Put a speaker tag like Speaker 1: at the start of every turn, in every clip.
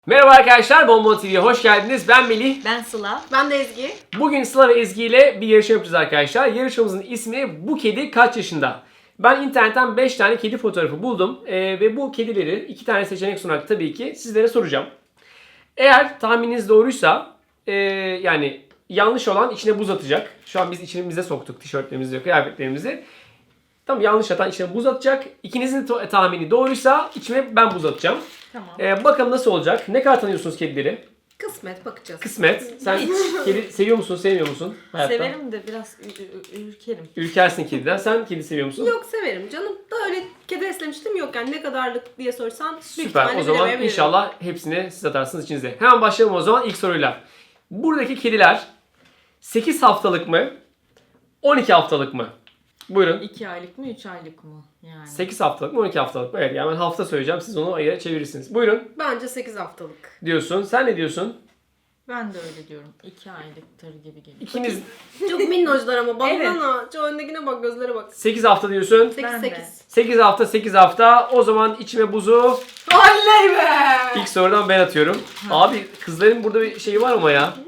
Speaker 1: Merhaba arkadaşlar, Bonbon TV'ye hoş geldiniz. Ben Melih.
Speaker 2: Ben Sıla.
Speaker 3: Ben de Ezgi.
Speaker 1: Bugün Sıla ve Ezgi ile bir yarışma yapacağız arkadaşlar. Yarışmamızın ismi Bu Kedi Kaç Yaşında? Ben internetten 5 tane kedi fotoğrafı buldum. Ve bu kedileri 2 tane seçenek sunarak tabii ki sizlere soracağım. Eğer tahmininiz doğruysa yani yanlış olan içine buz atacak. Şu an biz içimize soktuk tişörtlerimizi, kıyafetlerimizi. Tamam, yanlış atan içine buz atacak. İkinizin tahmini doğruysa içime ben buz atacağım.
Speaker 2: Tamam.
Speaker 1: Bakalım nasıl olacak? Ne kadar tanıyorsunuz kedileri?
Speaker 3: Kısmet bakacağız.
Speaker 1: Kısmet. Sen kedi seviyor musun, sevmiyor musun hayatta?
Speaker 2: Severim de biraz ürkerim.
Speaker 1: Ürkersin kediden. Sen kedi seviyor musun?
Speaker 3: Yok, severim canım. Da öyle kedi beslemiştim, yok yani ne kadarlık diye sorsan büyük
Speaker 1: Süper.
Speaker 3: ihtimalle
Speaker 1: O zaman
Speaker 3: bilemeyebilirim.
Speaker 1: inşallah hepsini siz atarsınız içinize. Hemen başlayalım o zaman ilk soruyla. Buradaki kediler 8 haftalık mı? 12 haftalık mı? Buyurun.
Speaker 2: 2 aylık mı 3 aylık mı? Yani.
Speaker 1: 8 haftalık mı 12 haftalık mı? Evet, yani ben hafta söyleyeceğim, siz onu ayıra çevirirsiniz. Buyurun
Speaker 3: Bence 8 haftalık.
Speaker 1: diyorsun. Sen ne diyorsun?
Speaker 2: Ben de öyle diyorum. 2 aylıktır gibi geliyor.
Speaker 1: İkiniz
Speaker 3: Çok minnoşlar ama
Speaker 2: Evet.
Speaker 3: baksana. Şu öndekine bak, gözlere bak.
Speaker 1: 8 hafta diyorsun.
Speaker 3: 8
Speaker 2: Ben de.
Speaker 3: 8.
Speaker 1: 8 hafta 8 hafta. O zaman içime buzu
Speaker 3: Oley be!
Speaker 1: ilk sorudan ben atıyorum. Abi kızların burada bir şeyi var ama ya.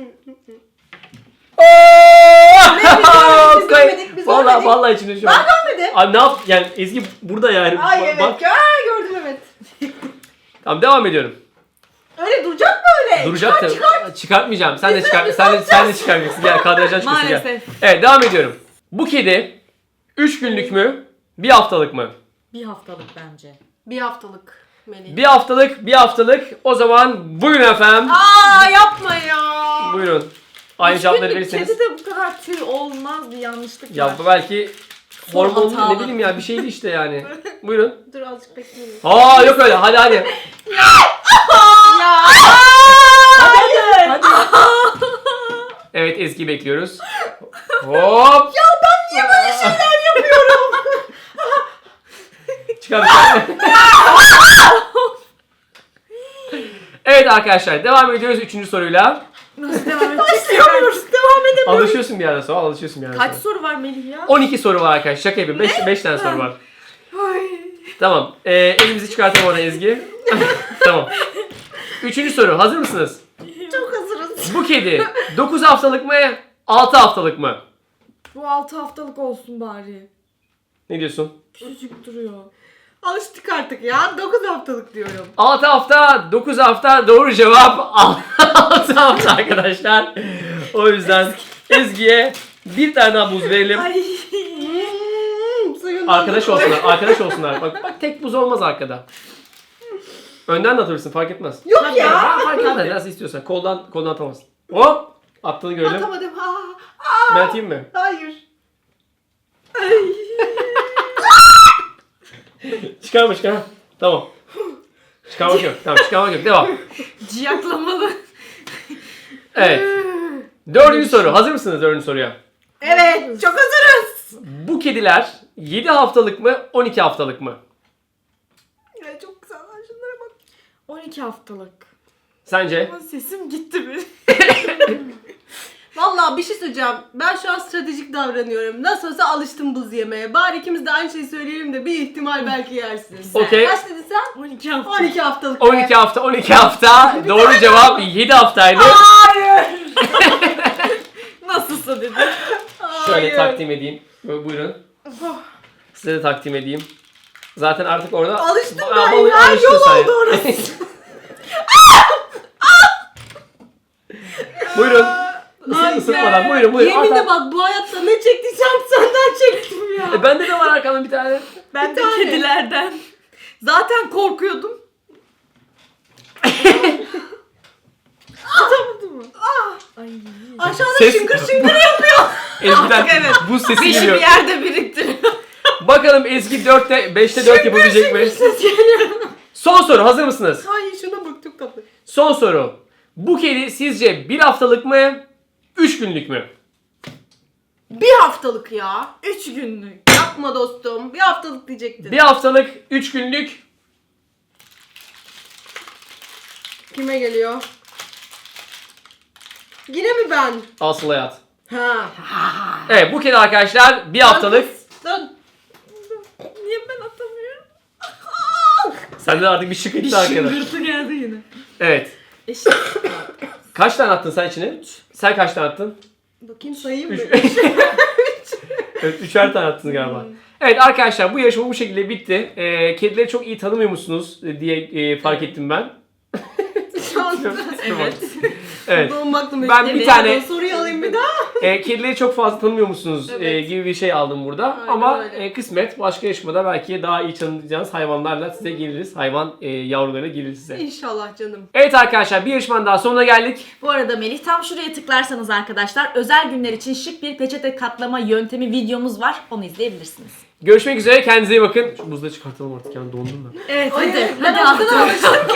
Speaker 3: Biz görmedik, biz görmedik.
Speaker 1: Vallahi içimde şu an.
Speaker 3: Görmedim.
Speaker 1: Abi ne yap? Yani Ezgi burada yani.
Speaker 3: Ay evet.
Speaker 1: Bak.
Speaker 3: Gördüm evet.
Speaker 1: Tamam, devam ediyorum.
Speaker 3: Öyle duracak mı öyle?
Speaker 1: Duracak tabii. Çıkartmayacağım. Sen de çıkarmayacaksın. Gel, kadrajdan çıkıyorsun gel.
Speaker 2: Maalesef.
Speaker 1: Evet, devam ediyorum. Bu kedi 3 günlük mü? 1 haftalık mı?
Speaker 2: 1 haftalık bence.
Speaker 3: 1 haftalık Melih.
Speaker 1: 1 haftalık, 1 haftalık. O zaman buyurun efendim.
Speaker 3: Aa yapma ya.
Speaker 1: Buyurun. Aynı cevapları
Speaker 2: Günlük
Speaker 1: verirseniz.
Speaker 2: kedi de bu kadar tüy olmaz, bir yanlışlık
Speaker 1: Ya
Speaker 2: var.
Speaker 1: bu belki hormonlu,
Speaker 2: hatalı.
Speaker 1: ne bileyim ya, bir şeydi işte yani. Buyurun.
Speaker 3: Dur azıcık bekleyelim.
Speaker 1: Aa, yok öyle. Hadi.
Speaker 3: Ya.
Speaker 1: Hadi. Evet, Ezgi bekliyoruz. Hop.
Speaker 3: Ya ben niye böyle şeyler yapıyorum?
Speaker 1: Çıkar. Evet arkadaşlar, devam ediyoruz 3. soruyla.
Speaker 2: Nasıl devam edeceğiz?
Speaker 3: Başlayamıyoruz. Devam edemiyoruz.
Speaker 1: Alışıyorsun bir yerden sonra, alışıyorsun bir yerden
Speaker 2: Kaç
Speaker 1: sonra.
Speaker 2: soru var Melih ya?
Speaker 1: 12 soru var arkadaşlar. Şaka yapayım. 5 tane soru var. Tamam. Elimizi çıkartalım orada Ezgi. Tamam. 3. soru. Hazır mısınız?
Speaker 3: Çok hazırız.
Speaker 1: Bu kedi 9 haftalık mı? 6 haftalık mı?
Speaker 2: Bu 6 haftalık olsun bari.
Speaker 1: Ne diyorsun?
Speaker 2: Küçücük duruyor.
Speaker 3: Alıştık artık ya. 9 haftalık diyorum.
Speaker 1: 6 hafta, 9 hafta, doğru cevap 6 hafta arkadaşlar. O yüzden Ezgi'ye bir tane daha buz verelim.
Speaker 2: Ay.
Speaker 3: Suyun
Speaker 1: Arkadaş olsunlar, arkadaş olsunlar. Bak tek buz olmaz arkada. Önden de atabilirsin, fark etmez.
Speaker 3: Yok
Speaker 2: Tabii.
Speaker 3: ya.
Speaker 1: Fark etmez, nasıl istiyorsan. Koldan atamazsın. Hop! Attığını görelim.
Speaker 3: Atamadım.
Speaker 1: Ben atayım mı?
Speaker 3: Hayır.
Speaker 1: Çıkarma. Tamam. Çıkarmak yok. Tamam, çıkarmak yok. Devam.
Speaker 2: Ciyaklamalı.
Speaker 1: Evet. 4. soru. Hazır mısınız 4. soruya?
Speaker 3: Evet. Çok hazırız.
Speaker 1: Bu kediler 7 haftalık mı, 12 haftalık mı?
Speaker 3: Ya çok güzel. Şunlara bak.
Speaker 2: 12 haftalık.
Speaker 1: Sence?
Speaker 2: Ama sesim gitti mi?
Speaker 3: Vallahi bir şey söyleyeceğim. Ben şu an stratejik davranıyorum. Nasıl olsa alıştım buz yemeye. Bari ikimiz de aynı şeyi söyleyelim de bir ihtimal belki yersin.
Speaker 1: Okey.
Speaker 3: Kaç dedin sen?
Speaker 2: 12 hafta.
Speaker 3: 12 haftalık. be.
Speaker 1: 12 hafta. Doğru cevap 7 haftaydı.
Speaker 3: Hayır.
Speaker 2: Nasılsa dedi.
Speaker 1: Şöyle
Speaker 3: Hayır.
Speaker 1: takdim edeyim. Buyurun. Size de takdim edeyim. Zaten artık orada...
Speaker 3: Alıştım ben
Speaker 1: Ama
Speaker 3: ya.
Speaker 1: alıştın
Speaker 3: Yol
Speaker 1: sen.
Speaker 3: oldu orası.
Speaker 1: Buyurun.
Speaker 3: Ay
Speaker 1: Isıtmadan.
Speaker 3: be.
Speaker 1: Buyurun.
Speaker 3: Yeminle
Speaker 1: At.
Speaker 3: bak, bu hayatta ne çektiysem senden çektim ya.
Speaker 1: Bende de var arkamda bir tane.
Speaker 2: Ben de
Speaker 3: tane.
Speaker 2: kedilerden. Zaten korkuyordum. Atamadım mı? Ay.
Speaker 3: Aşağıda
Speaker 1: Ses-
Speaker 3: şıngır şıngır yapıyor.
Speaker 1: Ezgi'den
Speaker 2: evet.
Speaker 1: bu sesi
Speaker 2: Beşi
Speaker 1: geliyor.
Speaker 2: bir yerde biriktiriyor.
Speaker 1: Bakalım Ezgi 5'te 4 yapabilecek mi?
Speaker 3: Ses geliyor.
Speaker 1: Son soru. Hazır mısınız?
Speaker 3: Ay şuna bak, çok tatlı.
Speaker 1: Son soru. Bu kedi sizce 1 haftalık mı? 3 günlük mü?
Speaker 3: 1 haftalık ya.
Speaker 2: 3 günlük.
Speaker 3: Yapma dostum. 1 haftalık diyecektin.
Speaker 1: 1 haftalık, 3 günlük.
Speaker 3: Kime geliyor? Yine mi ben?
Speaker 1: Asıl hayat.
Speaker 3: Ha.
Speaker 1: Evet, bu kedi arkadaşlar 1 haftalık.
Speaker 3: Dön.
Speaker 2: Niye ben atamıyorum?
Speaker 1: Sende de artık bir şık
Speaker 2: Bir
Speaker 1: etti arkada.
Speaker 2: şıngırtı geldi yine.
Speaker 1: Evet.
Speaker 2: Eşit.
Speaker 1: Kaç tane attın sen içine? Sen kaç tane attın?
Speaker 3: Bakayım sayayım mı?
Speaker 1: 3. Evet, 3'er tane attınız galiba. Evet arkadaşlar bu yarışma bu şekilde bitti. Kedileri çok iyi tanımıyor musunuz diye fark ettim ben.
Speaker 2: Evet.
Speaker 1: Evet.
Speaker 3: Doğmakla
Speaker 1: Ben bir tane-
Speaker 3: soruyu alayım bir daha.
Speaker 1: Kedileri çok fazla tanımıyor musunuz
Speaker 3: Evet.
Speaker 1: gibi bir şey aldım burada.
Speaker 3: Aynen
Speaker 1: Ama
Speaker 3: öyle.
Speaker 1: kısmet başka yarışmada belki daha iyi tanıyacağınız hayvanlarla size geliriz. Hayvan yavruları gelir size.
Speaker 3: İnşallah canım.
Speaker 1: Evet arkadaşlar bir yarışmanın daha sonuna geldik.
Speaker 2: Bu arada Melih tam şuraya tıklarsanız arkadaşlar özel günler için şık bir peçete katlama yöntemi videomuz var. Onu izleyebilirsiniz.
Speaker 1: Görüşmek üzere kendinize iyi bakın. Şu buzları çıkartalım artık yani dondum ben.
Speaker 2: Evet
Speaker 3: Ay,
Speaker 2: hadi.
Speaker 3: ben
Speaker 2: Hadi
Speaker 3: o kadar
Speaker 2: artık.
Speaker 3: alıştım